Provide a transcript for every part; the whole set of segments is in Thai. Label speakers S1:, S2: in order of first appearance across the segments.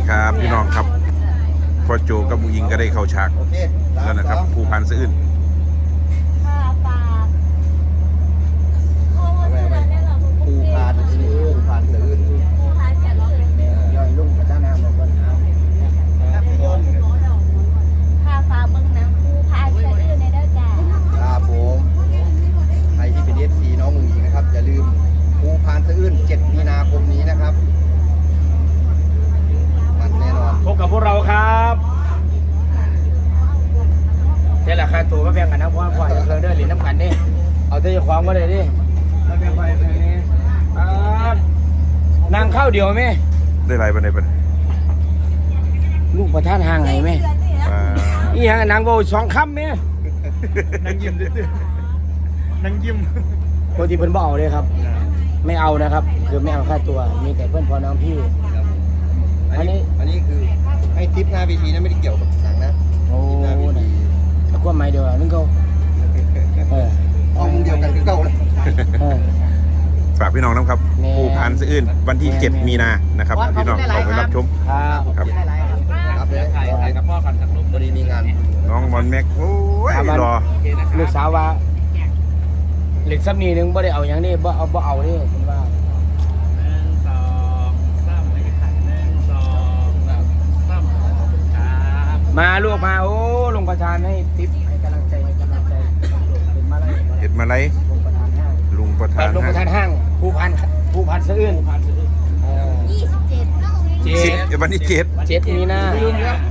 S1: ครับพี่น้องครับพ่อโจกับมุยิงก็ได้เข้าฉากแล้วนะครับภูพานสะอื้น
S2: ภูพานสะอื้นย่อยลุ่งกระด้างน้ำมันก็น้ำ
S3: ข้าฟ้าเมืองน้ำภูพานสะอื้นในเด้อจ้า
S2: ครับผมใครที่เป็น FC น้องมุงอิงนะครับอย่าลืมภูพานสะอื้น7 มีนาคมนี้นะครับมันแน่นอน
S4: พบกับพวกเราครับนี่แหละค่าตัวมาแบ่งกันนะเพราะว่าพ่อจะเคยเดินหรือน้ำกันนี่เอาตัวความก็เลยดิมาแบ่งไปแบบนี้นางข้าวเดียวไหม
S1: ได้ไรบ้างในบ้าง
S4: ลูกประธานห่างไงไหมอีห่างนางโบ2 คำไหมนางยิ้มด้วยนางยิ้มปกติเพิ่นบ่เอาเลยครับ ไม่เอานะครับ คือไม่เอาค่าตัวมีแต่เพื่อนพอน้องพี่
S2: อันนี้คือให้ทิปหน้าเวทีนะไม่ได้เกี่ยวกับหนังนะ
S4: โอ้ยแล้วก็ไม่เดียวนึงเขา
S2: ห้องเดียวกันก็เก่าเลย
S1: ฝากพี่น้องนะครับ
S4: แน่
S1: ภูพานสะอื้นวันที่ 7 มีนานะครับพี่น้องขอไปรับชม
S4: ครับ
S2: ครับเลยถ่ายกับพ่อกันสักรูปพอดีมีงาน
S1: น้องมอนแม็กโอ้ยรอ
S4: ลูกสาวว่าเหล็กซับนีนึงบ่ได้เอาอย่างนี้บ่เอานี่ผมว่ามาลูกมาโอ้ลงประธานให้ทิปให้กำลังใจเป็นมาอะไร
S1: เห็ดมาไร
S4: ลงประธานห้าง
S1: ลุงประธาน
S4: ห้างภูพันสะอื้น
S3: 27
S1: 10วันที่
S4: 7 มีนาลืมแล้ว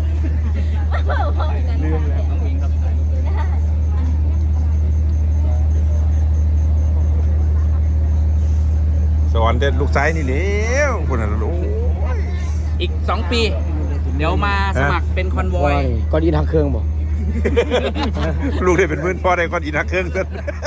S1: 7สอนเด็ดลูกซ้ายนี่เลี้ยวคนนั้นโอ้ย
S5: อีก 2 ปี เดี๋ยวมาสมัครเป็นคอนวอย
S4: ก็ดีทางเครื่องบ่
S1: ลูกได้เป็นมื่นพ่อได้ก้อนอีนักเครื่องเส้น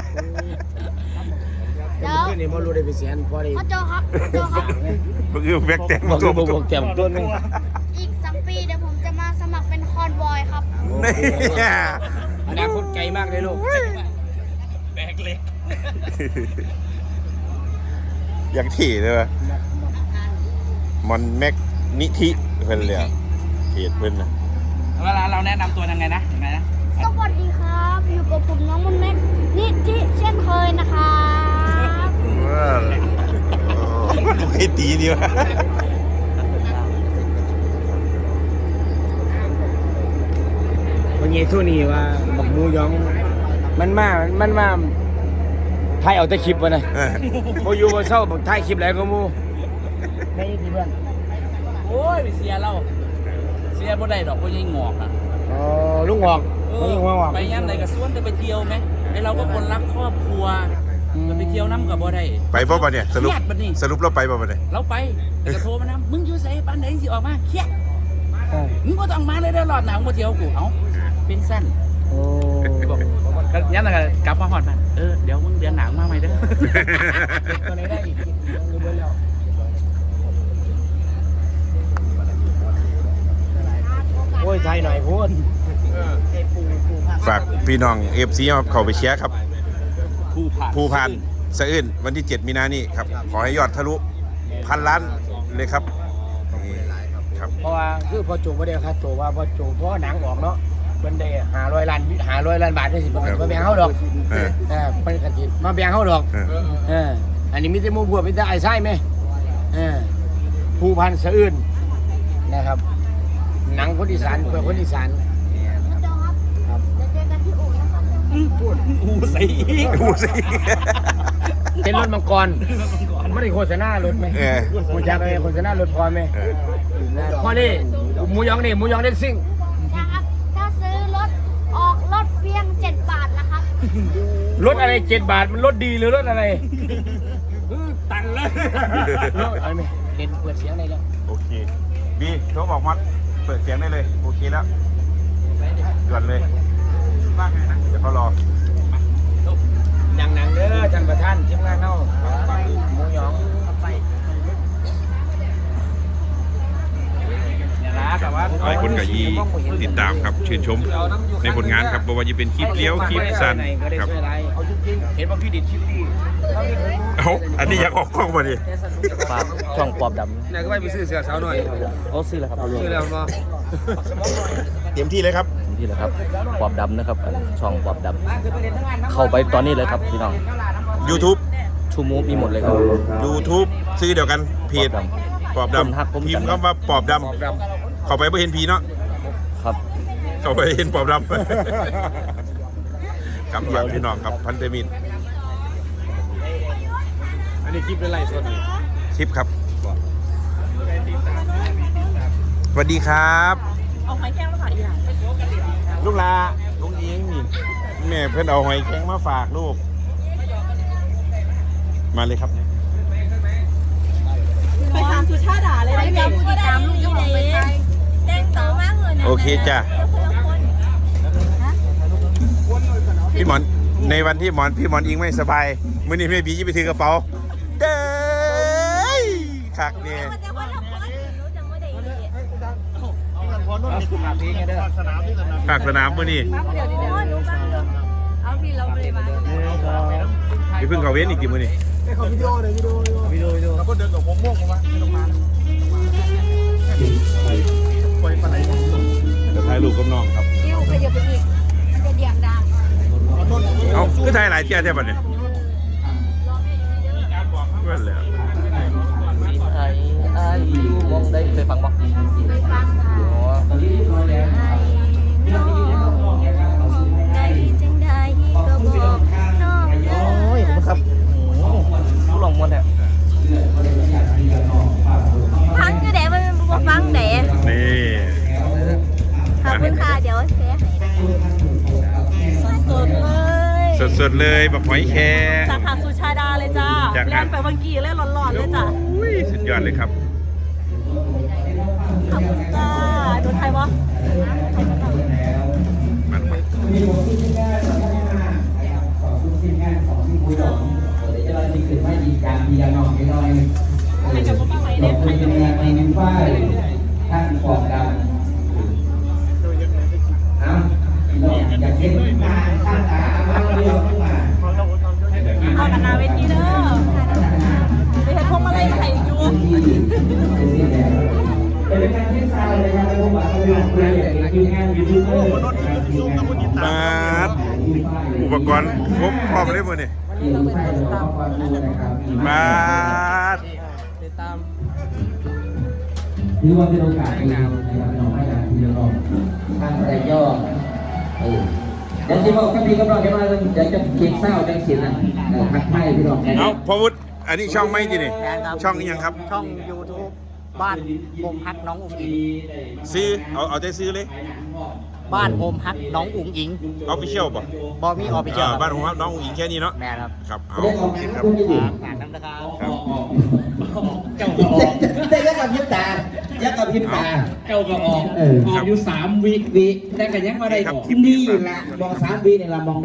S3: แล้ว
S4: เพื่อนนี่บ่รู้ได้ไปเสียนพอได้
S3: พ่อโจครับพ่อโจครับ
S1: ก็คือแบกแต่ง
S4: บอก
S1: ตัว
S4: บอกเต็มต้นนึง
S3: อีก2 ปีเดี๋ยวผมจะมาสมัครเป็นคอนวอยครับ
S1: นี่
S4: อนาคตไกลมากเลยลูก
S5: แบกเล็ก
S1: อย่างที่เลยวะมอนแม็กนิธิเพิ่นเลยเพจเพิ่นนะ
S5: เวลาเราแนะนำตัวยังไงนะยังไงนะ
S3: สวัสดีครับ อยู่กับผมน้องมนแม็กนิธิเช่นเคยนะครับ
S1: ว้าวลูกให้ตีดีวะ
S4: วันนี้ทุนี่ว่าบักมูยองมันมาถ่ายเอาแต่คลิปวะนะบ่อยู่บ่เศร้าบักถ่ายคลิปแล้วก็มูไม่ดีเพื่อน
S5: โอ้ยไปเสียเราเสียบ่ได้ดอกบ่ยังงอกอ่ะ
S4: อ๋อลุงหอก
S5: เอ
S4: ไม่
S5: อ
S4: หัวหอก
S5: ไปย่ำไหนกับสวนจะไปเที่ยวไหมไอเราก็คนรักครอบครัวจะไปเที่ยวน้ำกับบ่ได้
S1: ไปบ่ปะเนี่ยสรุป
S5: เครียดบัดนี้
S1: สรุปเราไปบ่ปะเนี่ย
S5: เราไปแต่ก็โทรมานะมึงอยู่ไสปานไหนสิออกมาเครียด
S4: เออ
S5: มึงก็ต้องมาเลยได้อรอดหนาวมาเที่ยวกูเอ้าเป็นสั้น
S4: โอ้
S5: บอกก็ยันแล้วก็กลับมาหอดมันเดี๋ยวมึงเดือนหนาวมาใหม่เด้อ
S4: ตัวไหนได้อีกรู้เบิ่แล้ว โอ้ยไทยหน่อยพูด
S1: ฝากพี่น้องFC เข้าไปเชียร์ครับ ภูพานสะอื้นวันที่ 7 มีนานี่ครับขอให้ยอดทะลุ1,000 ล้านเลยครับนี่ครับ
S4: เพราะว่าคือพอจูบไม่ได้ค่าตัวว่าพอจูบเพราะหนังออกเนาะมันได้500 ล้านบาทได้สิมาแบ่งเขาดอก
S1: เออ
S4: เป็นกระถิ่นมาแบ่งเขาดอก
S1: เออ
S4: อันนี้มีแต่หมูบวบมีแต่ไอ้ไส้ไหมภูพันสะอื้นนะครับหนังคนอีสานเพื่อคนอีสาน
S3: พ่อโจครับเดี๋ยวเจอกันที่อู่นะครับ
S5: อูใส่อีก
S1: ดูสิ
S4: เป็นรถมังกรไม่ได้โฆษณารถไหม
S1: เออ
S4: คุณจะไปโฆษณารถพอไหม
S1: เออ
S4: พอนี่หมูยองเด็กซิ่ง
S3: นะครับถ้าซื้อรถออกรถเพียง7 บาทนะครับ
S4: รถอะไร7 บาทมันรถดีหรือรถอะไรตันเลยรถอะไรไหมเด่นเปิดเสียงได้แล้ว
S1: โอเคบีโทรบอกมัดเปิดเสียงได้เลยโอเคแล้วด่วนเลยเดี๋ยวเขารอ
S4: หนังเด้อท่านประธานทีมงานเฮาหมูยอง
S5: เนี่ยนะแต่ว่า
S1: หลายคนกับยีติดตามครับชื่นชมในผลงานครับบอกว่าจะเป็นคลิปเลี้ยวคลิปสั้นครับ
S4: เอาจริงๆเห็นว่าพี่ดิดคลิปดี
S1: เอาอันนี้อยากออกกล้องมาดิ
S6: ฝาก
S5: ช่องปอบด
S4: เนี่ยก็ไปซื้อเสื้อสาวหน่อย
S5: ำเขาซื้อแล้วครับ
S4: ซื้อแล้วบ่
S1: เต็มที่เลยครับ
S5: นี่แหละครับปอบดำนะครับช่องปอบดำเข้าไปตอนนี้เลยครับพี่น้อง
S1: YouTube
S5: ชูมูฟมีหมดเลยครับ
S1: YouTube ซื้อเดียวกันเพจปอบด
S5: คนฮักผม
S1: ำพิมพ์
S5: กัน
S1: คำว่าปอบด
S4: ปอบด
S1: ำเข้าไปไม่เห็นผีเนาะ
S5: ครับ
S1: เข้าไปเห็นปอบดำ ครับฝากพี่น้องครับพันธมิตร
S4: ำอันนี้คลิปเป็นไรสดนี่
S1: คลิปครับสวัสดีครับ
S3: เอาไข่แก้วมาฝากอีหลาน
S1: ลูกลาลุงเองนี่แม่เพื่อนเอาหอยแข็งมาฝากลูกมาเลยครับ
S3: ไปทำสุชาดาเลยนะผู้ติดตามลูกยี่เลยแจ้งเต๋ามากเลยนะ
S1: โอเคจ้ะพี่หมอนในวันที่พี่หมอนอิงไม่สบายมื้อนี้แม่บีจะไปถือกระเป๋าเด้ยคักเนี่ย
S3: มันจะว่าเราคนรู้จังว่าเด็ก
S1: ภาคสนามมื้อนี้
S3: มาเดี๋ยวรู้บ้างเดี๋ยวเอาพี่เราไปเลยมา
S1: พี่เพิ่งเข้าเว้นอีกกี่มื้อนี้
S4: วิดีโอแล้วก็เดินกับผมม่วงมาลงมาปล่อยปลาไหล
S1: เดี๋ยวถ่ายรูปกับน้องครับ
S3: คิวขยับไปอีกมันจะเดี่ยงดัง
S1: เอ้าคือถ่ายหลายเที่ยแท้บัดเนี่ยเว้นแล้ว
S5: มีไทยอายุมองได้เคยฟังบ่
S3: ไปฟังค่ะ
S5: อ๋อ
S3: ได้จังได้ก็บอกน้องเอ้
S5: โอ้ยผมครับผู้ลองมวนแท้
S3: ฟังคือเด็กมันบอกฟังเด็ก
S1: นี่
S3: ขอบคุณค่ะเดี๋ยวเสียให้นะสดๆเลย
S1: สดๆเลยบักหอยแครง
S6: จากหาดสุชาดาเลยจ้า
S1: จากหาด
S6: แล่นไปวังกีเล่นร้อนๆเลยจ้า
S1: อุ้ยสุดยอดเลยครับ
S6: ขอบคุณจ้าโดนไทยวะ
S1: มันมา
S6: ให้กับพ่อไหมเนี่ยให้กับพ่อไหมเนี่ย
S7: ท่านปอบดำเอาอยากเห็นงานท่านขามาเรียกขึ้นมา
S6: เอากันนาเวทีเด้อไปเห็นพวงมาลัยมาให้อยู่
S7: เป็นการที่ซาวเลยครับเป็นผู้บัตรเรื่องเรื่องทีมงานยูทูบเบอร์ทีมงาน
S1: มาดอุปกรณ์ครบพร้อมเลยมื้อนี้
S7: ทีมไฟเราก็คอยดูนะครับ
S1: มาด
S7: ถือว่าเป็นโอกาสดีนะครับน้องให้การที่จะรอท่านแต่ย่อเดี๋ยวที่บอกกับพี่กับเราจะมาเดี๋ยวจะเก็บเศร้าจังสินะทักทายพี่น้อง
S1: เอาพ่อวุฒิอันนี้ช่องไม่จีนี่ช่องนี้ยังครับ
S8: ช่อง YouTube บ้านโฮมฮักน้องอุ๋งอิง
S1: ซื้อเอาใจซื้อเลย
S8: บ้านโฮมฮักน้องอุ๋งอิง
S1: เอาไปเชี่ยวป่ะ
S8: บอมีออฟฟิเชียล
S1: บ้านของน้องอุ๋งอิงแค่นี้เนาะ
S8: แม่ครับ
S1: ครับเอา
S7: เรื่อง
S1: โอ
S7: ของ
S1: เคครับ
S7: คุณอยู่
S8: ฝากน้ำนะครับ
S1: ครับ
S7: แต่ยักกับพิษตายักกับพิษตา
S9: เจ้าก็ออก
S7: เออ
S9: ออกอยู่3 วิ
S7: วิแต่กันยังมาได้
S1: ครับ
S7: นี่ละมอง3 วินี่ละมอง